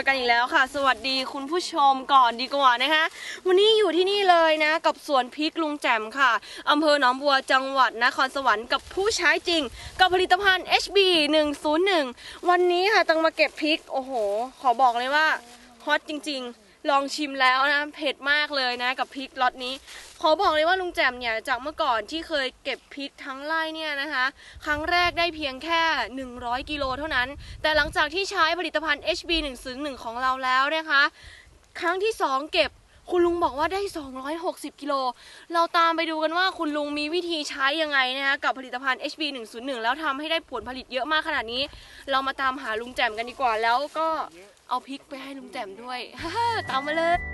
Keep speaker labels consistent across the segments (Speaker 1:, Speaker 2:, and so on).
Speaker 1: กันอีกแล้วค่ะสวัสดีคุณผู้ชมก่อนดีกว่านะคะวันนี้อยู่ที่นี่เลยนะกับสวนพริกลุงแจ่มค่ะอำเภอหนองบัวจังหวัดนครสวรรค์กับผู้ใช้จริงกับผลิตภัณฑ์ HB 101วันนี้ค่ะตังมาเก็บพริกโอ้โหขอบอกเลยว่าฮอตจริงๆลองชิมแล้วนะเผ็ดมากเลยนะกับพริกล็อตนี้ขอบอกเลยว่าลุงแจ่มเนี่ยจากเมื่อก่อนที่เคยเก็บพริกทั้งไร่เนี่ยนะคะครั้งแรกได้เพียงแค่100กิโลเท่านั้นแต่หลังจากที่ใช้ผลิตภัณฑ์ HB 101ของเราแล้วนะคะครั้งที่2เก็บคุณลุงบอกว่าได้260กิโลเราตามไปดูกันว่าคุณลุงมีวิธีใช้ยังไงนะคะกับผลิตภัณฑ์ HB 101แล้วทำให้ได้ผลผลิตเยอะมากขนาดนี้เรามาตามหาลุงแจ่มกันดีกว่าแล้วก็เอาพริกไปให้ลุงแจ่มด้วย ตามมาเลย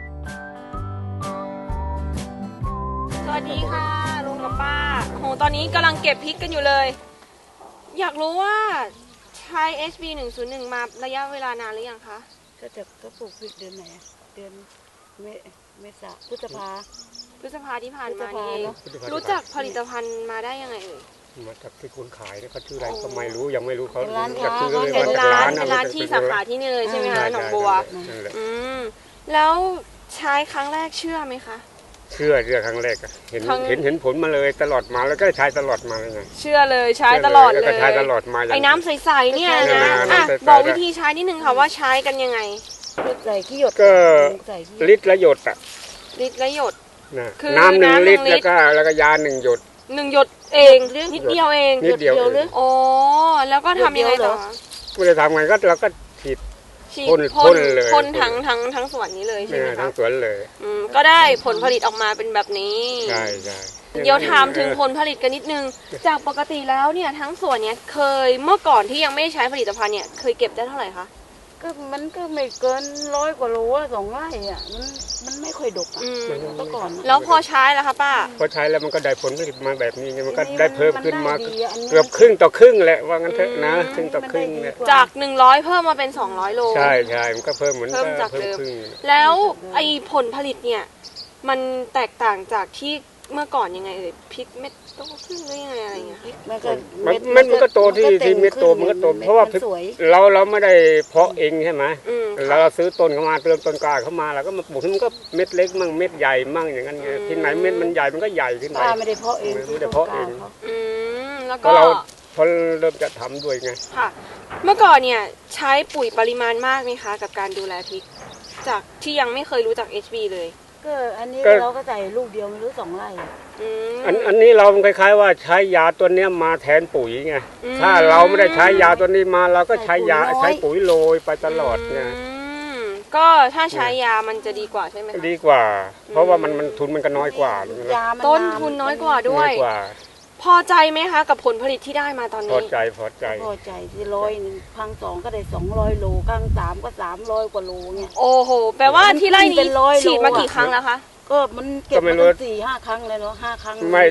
Speaker 1: สวัสดีค่ะลุงกับป้าโหตอนนี้กำลังเก็บพริกกันอยู่เลยอยากรู้ว่าใช้ HB 101มาระยะเวลานานหรือยังคะ
Speaker 2: ก็ปลูกพริกเดือนไหนเดือนเมษาพฤษภา
Speaker 1: ที่ผ่านมานี่เองรู้จักผลิตภัณฑ์มาได้ยังไงเอ่ย
Speaker 3: มาจากที่คนขายเนี่ยเขาชื่ออะไรก็ไม่รู้ยังไม่รู้เขา
Speaker 1: จากชื่อเป็นร้านที่สาขาที่นี่เลยใช่ไหมคะหนองบัวแล้วใช้ครั้งแรกเชื่อไหมคะ
Speaker 3: เชื่อครั้งแรกอะเห็นผลมาเลยตลอดมาแล้วก็ใช้ตลอดมาเลยไง
Speaker 1: เชื่อเลยใช้ตลอดเลย
Speaker 3: ใช้ตลอดมา
Speaker 1: ไอ้น้ำใสๆเนี่ยนะบอกวิธีใช้นิดนึงค่ะว่าใช้กันยังไง
Speaker 2: ใส่ขี้หยด
Speaker 3: ก็ลิตรละหยดอะ
Speaker 1: ลิตรละหยด
Speaker 3: น้ำ1 ลิตรแล้วก็ยา1 หยด
Speaker 1: 1 หยดเองนิดเดียวเอง
Speaker 3: นิดเดียวเลย
Speaker 1: โอ้แล้วก็ทำยังไงต่อ
Speaker 3: ไม่ได้ทำไงก็เราก็ฉีดพ่นเลย
Speaker 1: พ่นทั้งสวนนี้เลยใช่ไหมคะ
Speaker 3: ทั้งสวนเลย
Speaker 1: ก็ได้ผลผลิตออกมาเป็นแบบนี้
Speaker 3: ใช่
Speaker 1: เดี๋ยวถามถึงผลผลิตกันนิดนึงจากปกติแล้วเนี่ยทั้งสวนเนี้ยเคยเมื่อก่อนที่ยังไม่ใช้ผลิตภัณฑ์เนี่ยเคยเก็บได้เท่าไหร่คะ
Speaker 2: มันก็ไม่เกิน100 กว่าโล2 ไร่อ่ะมันไม่ค่อยดกอ่ะเมื่อก่อน
Speaker 1: แล้วพอใช้แล้วคะป้า
Speaker 3: พอใช้แล้วมันก็ได้ผลผลิตมาแบบนี้มันก็ได้เพิ่มขึ้นมาเกือบครึ่งต่อครึ่งแหละว่างั้นเถอะนะครึ่งต่อครึ่งเนี่ย
Speaker 1: จาก100เพิ่มมาเป็น200โล
Speaker 3: ใช่มันก็เพิ่มเหมือน
Speaker 1: จากเดิมแล้วไอ้ผลผลิตเนี่ยมันแตกต่างจากที่เมื่อก่อนยังไงเอ่ยพริกเม็ดโตขึ้นหรือยังไงอะไรเงี้ย
Speaker 3: มันก็โตที่เม็ดโตมันก็โตเพราะว่าเราไม่ได้เพาะเองใช่ไหมเราซื้อต้นเข้ามาเติมต้นกล้าเข้ามาแล้วก็มาปลูกมันก็เม็ดเล็กมั่งเม็ดใหญ่มั่งอย่างนั้นไงที่ไหนเม็ดมันใหญ่มันก็ใหญ่ขึ้นไป
Speaker 2: ไม่ได้เพาะเอง
Speaker 3: ไม่ได้เพาะเอง
Speaker 1: แล้วก็
Speaker 3: เราพอเริ่มจะทำด้วยไง
Speaker 1: ค่ะเมื่อก่อนเนี่ยใช้ปุ๋ยปริมาณมากไหมคะกับการดูแลพริกจากที่ยังไม่เคยรู้จัก HB เลย
Speaker 2: ก็อันนี้เราก็ใส่ลูกเดียวไม่รู้2 ไร่
Speaker 3: อันนี้เราคล้ายๆว่าใช้ยาตัวนี้มาแทนปุ๋ยไงถ้าเราไม่ได้ใช้ยาตัวนี้มาเราก็ใช้ปุ๋ยโรยไปตลอดไง
Speaker 1: ก็ถ้าใช้ยามันจะดีกว่าใช่ไหม
Speaker 3: ดีกว่าเพราะว่ามันทุนมันก็น้อยกว่า
Speaker 1: ต้นทุนน้อยกว่าด้วยพอใจไหมคะกับผลผลิตที่ได้มาตอนนี้
Speaker 3: พอใจ
Speaker 2: ที่100ครั้ง2ก็ได้200 โลครั้ง3ก็300 กว่าโลเนี่ย
Speaker 1: โอ้โหแปลว่าที่ไร่นี้ฉีดมากี่ครั้งแล้วคะ
Speaker 2: ก็มันเก็บมา4-5 ครั้งเลยเนาะ5 ครั้ง
Speaker 3: ไม่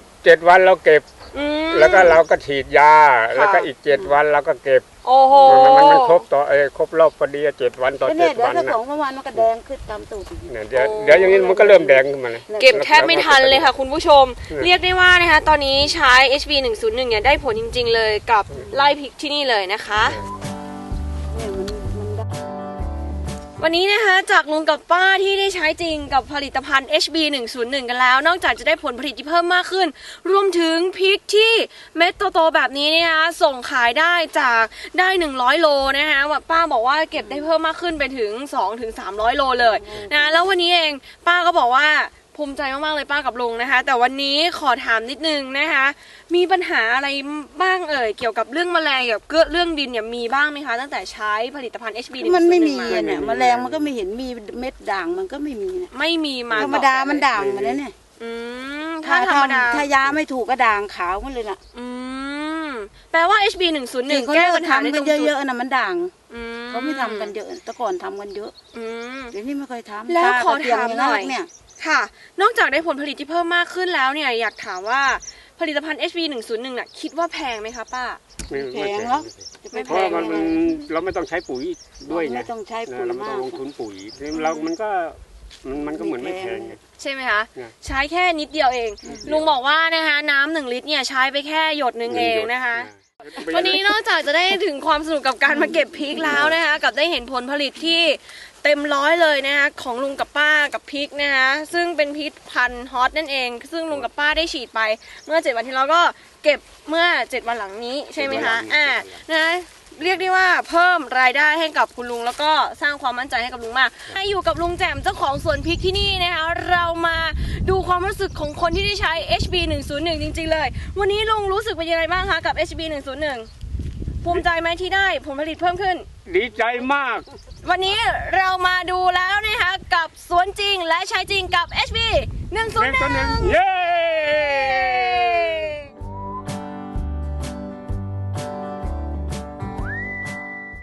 Speaker 3: 7 วันเราเก็บแล้วก็เราก็ฉีดยาแล้วก็อีก7 วันเราก็เก็บ
Speaker 1: โอ้โห
Speaker 3: มันครบครบรอบพอดี7 วันต่อ7 วัน
Speaker 2: เดี๋ยวถ้า2 วันมันก็แดงขึ้นตามตูด
Speaker 3: เดี๋ยวอย่างนี้มันก็เริ่มแดงขึ้นมาเลย
Speaker 1: เก็บแทบไม่ทันเลยค่ะคุณผู้ชมเรียกได้ว่านะคะตอนนี้ใช้ HB 101เนี่ยได้ผลจริงๆเลยกับไร่พริกที่นี่เลยนะคะวันนี้นะคะจากลุงกับป้าที่ได้ใช้จริงกับผลิตภัณฑ์ HB 101กันแล้วนอกจากจะได้ผลผลิตที่เพิ่มมากขึ้นรวมถึงพริกที่เม็ดโตๆแบบนี้นะคะส่งขายได้จากได้100 โลนะคะป้าบอกว่าเก็บได้เพิ่มมากขึ้นไปถึง200-300 โลเลยนะแล้ววันนี้เองป้าก็บอกว่าภูมิใจมากๆเลยป้ากับลุงนะคะแต่วันนี้ขอถามนิดนึงนะคะมีปัญหาอะไรบ้างเอ่ยเกี่ยวกับเรื่องแมลงกับเรื่องดินเนี่ยมีบ้างไหมคะตั้งแต่ใช้ผลิตภัณฑ์ HB
Speaker 2: มันไม่มีเนี่ยแมลงมันก็ไม่เห็นมีเม็ดด่างมันก็ไม่มีเนี่ย
Speaker 1: ไม่มีมา
Speaker 2: ธรรมดามันด่างมันเนี่ย
Speaker 1: ถ้าธรรมดา
Speaker 2: ถ้ายาไม่ถูกก็ด่างขาวมันเลยน่ะ
Speaker 1: แปลว่า HB 101แก้ปัญหาได้ตรงจุด
Speaker 2: เยอะๆนะมันด่างเขาไม่ทำกันเยอะแต่ก่อนทำกันเยอะเดี๋ยวนี้ไม่เคยทำ
Speaker 1: แล้วขอถามหน่อยค่ะนอกจากได้ผลผลิตที่เพิ่มมากขึ้นแล้วเนี่ยอยากถามว่าผลิตภัณฑ์ HB 101น่ะคิดว่าแพงไหมคะป้า
Speaker 2: ไม่แพงหรอก
Speaker 3: ไม่แพงเราไม่ต้องใช้ปุ๋ยด้วยไง
Speaker 2: ไม่ต้องใช้ปุ๋ย
Speaker 3: มากลงทุนปุ๋ยมันก็เหมือนไม่แพง
Speaker 1: ใช่ไหมคะใช้แค่นิดเดียวเองลุงบอกว่านะคะน้ำ1 ลิตรเนี่ยใช้ไปแค่หยดนึงเองนะคะวันนี้นอกจากจะได้ถึงความสนุกกับการมาเก็บพริกแล้วนะคะกับได้เห็นผลผลิตที่เต็มร้อยเลยนะคะของลุงกับป้ากับพริกนะคะซึ่งเป็นพริกพันธุ์ฮอตนั่นเองซึ่งลุงกับป้าได้ฉีดไปเมื่อ7 วันที่แล้วก็เก็บเมื่อ7 วันหลังนี้ใช่ไหมคะนะเรียกได้ว่าเพิ่มรายได้ให้กับคุณลุงแล้วก็สร้างความมั่นใจให้กับลุงมากให้อยู่กับลุงแจ่มเจ้าของสวนพริกที่นี่นะคะเรามาดูความรู้สึกของคนที่ได้ใช้ HB 101จริงๆเลยวันนี้ลุงรู้สึกเป็นยังไงบ้างคะกับ HB 101ภูมิใจไหมที่ได้ผลผลิตเพิ่มขึ้น
Speaker 3: ดีใจมาก
Speaker 1: วันนี้เรามาดูแล้วนะคะกับสวนจริงและใช้จริงกับ HB 101
Speaker 3: เย้